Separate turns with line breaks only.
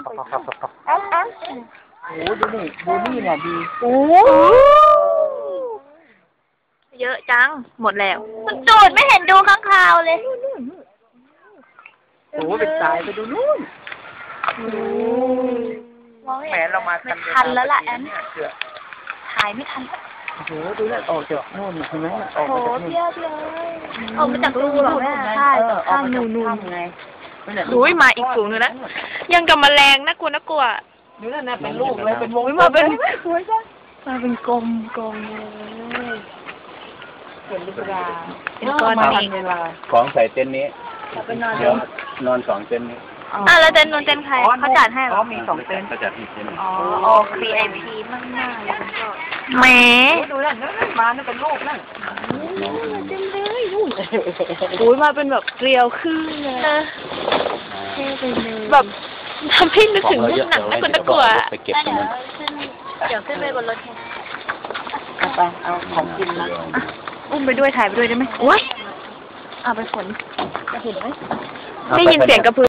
โอ้ดูนี่เนี่ยดีโอ้
เยอะจังหมดแล้วมันจูดไม่เห็นดูข้างคาวเลย
โอ้เป็นสายไปดูนู่นแหมเรามา
ทันแล้วล่ะแอนถ่ายไม่ทัน
โอ้โหดูนั่นออกจากนู่นเห็นไหมออกมาจากนู่น
ออกมาจากรูหรอแม่ใช่ข้างนู่น
ไง
ดูมาอีกฝูงนึงนะยังกับแมลงน่ากลัว
ดูนั่นนะเป็นลูกเลยเป็นวง
มาเป็นกลม
เลยเป็นลูกดา
เป็นก้อนนี้
ของใส่เต็นท์นี้เดี๋ยวนอน2 เต็นท์นี้
แล้วเต็นท์ใครเขาจัดให้หรอ
มี2 เต็นท์
เขาจัดให้เต็นท์
VIP มากๆเลยแหม
ดูนั่นมานั่นเป็นลูกนั่น
เต็มเลยโอ้ยมาเป็นแบบเกลียวขึ้นเลยแบบทำให้นึกถึงหนังน่ากลัว
ไปเก็บตรงนั้น
เดี๋ยวขึ้นไปบนรถ
ไปเอาของกินนะ
อุ้มไปด้วยถ่ายไปด้วยได้ไหมโอ้ยเอาไปฝนจะเห็นไหมได้ยินเสียงกระพือ